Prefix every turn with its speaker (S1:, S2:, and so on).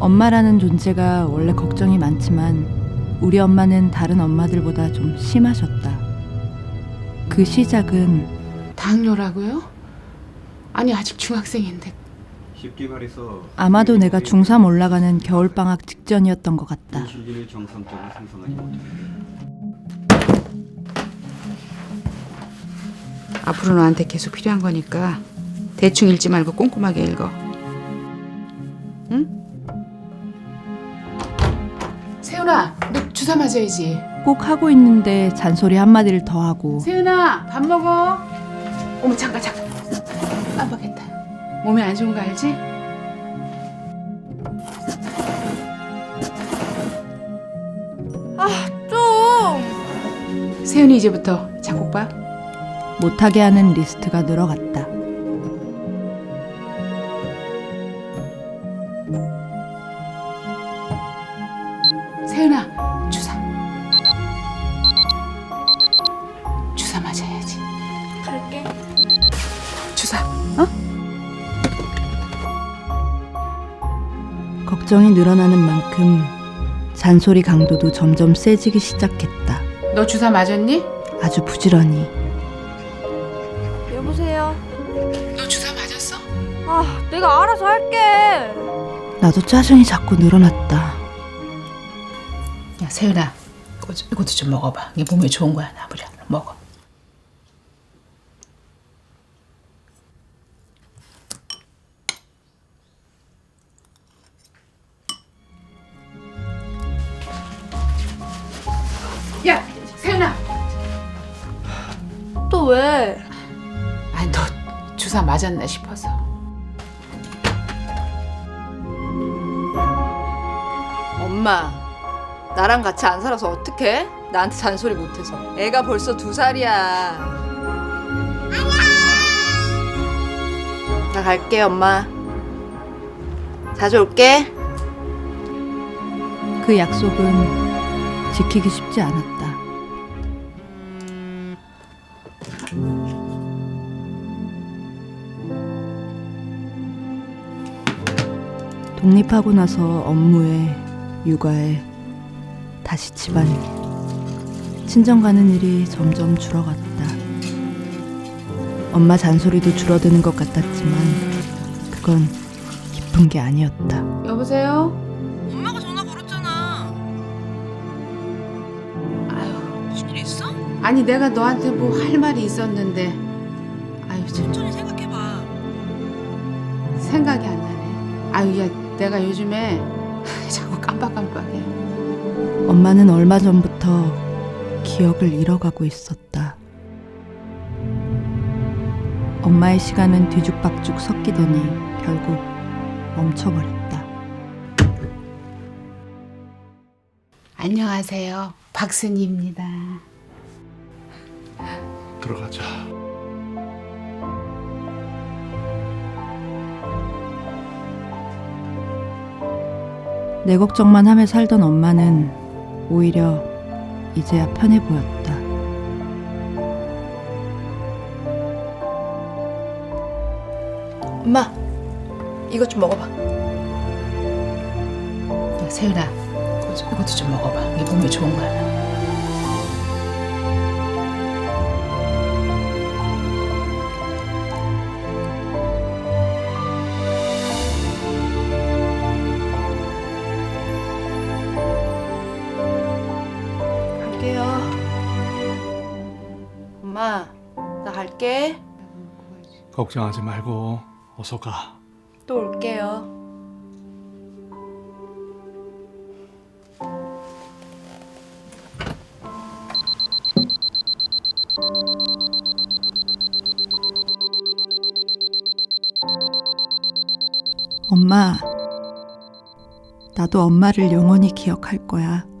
S1: 엄마라는 존재가 원래 걱정이 많지만 우리 엄마는 다른 엄마들보다 좀 심하셨다. 그 시작은
S2: 당뇨라고요? 아니 아직 중학생인데.
S3: 쉽게 말해서
S1: 아마도 내가 중3 올라가는 겨울방학 직전이었던 것 같다.
S3: 인슐린을 정상적으로 생성하지 못해
S2: 앞으로 너한테 계속 필요한 거니까 대충 읽지 말고 꼼꼼하게 읽어. 응? 세훈아, 너 주사 맞아야지.
S1: 꼭 하고 있는데 잔소리 한마디를 더 하고
S2: 세훈아, 밥 먹어. 어머 잠깐. 깜빡했다. 몸에 안 좋은 거 알지?
S4: 좀.
S2: 세훈이 이제부터 작곡봐.
S1: 못하게 하는 리스트가 늘어갔다.
S2: 세훈아, 주사 맞아야지.
S4: 갈게.
S2: 주사.
S1: 걱정이 늘어나는 만큼 잔소리 강도도 점점 세지기 시작했다.
S2: 너 주사 맞았니?
S1: 아주 부지런히.
S4: 여보세요.
S2: 너 주사 맞았어?
S4: 아, 내가 알아서 할게.
S1: 나도 짜증이 자꾸 늘어났다.
S2: 야 세훈아, 이것도 좀 먹어봐. 이게 몸에 좋은 거야. 나무려 먹어. 야 세훈아,
S4: 또 왜?
S2: 아니 너 주사 맞았나 싶어서.
S5: 엄마, 나랑 같이 안 살아서 어떡해? 나한테 잔소리 못해서. 애가 벌써 2살이야. 나 갈게, 엄마. 자주 올게.
S1: 그 약속은 지키기 쉽지 않았다. 독립하고 나서 업무에, 육아에, 다시 집안에 친정 가는 일이 점점 줄어갔다. 엄마 잔소리도 줄어드는 것 같았지만 그건 기쁜 게 아니었다.
S2: 여보세요?
S5: 엄마가 전화 걸었잖아.
S2: 아유,
S5: 무슨 일 있어?
S2: 아니 내가 너한테 뭐 할 말이 있었는데. 아유 참
S5: 천천히 생각해봐.
S2: 생각이 안 나네. 아유 야 내가 요즘에 자꾸 깜빡깜빡해.
S1: 엄마는 얼마 전부터 기억을 잃어가고 있었다. 엄마의 시간은 뒤죽박죽 섞이더니 결국 멈춰버렸다.
S2: 안녕하세요. 박순희입니다.
S6: 들어가자.
S1: 내 걱정만 하며 살던 엄마는 오히려 이제야 편해 보였다.
S5: 엄마, 이것 좀 먹어봐.
S2: 야, 세윤아, 이것도 좀 먹어봐. 이게 몸에 좋은 거야.
S5: 갈게요. 엄마, 나 갈게.
S6: 걱정하지 말고 어서 가.
S5: 또 올게요.
S1: 엄마, 나도 엄마를 영원히 기억할 거야.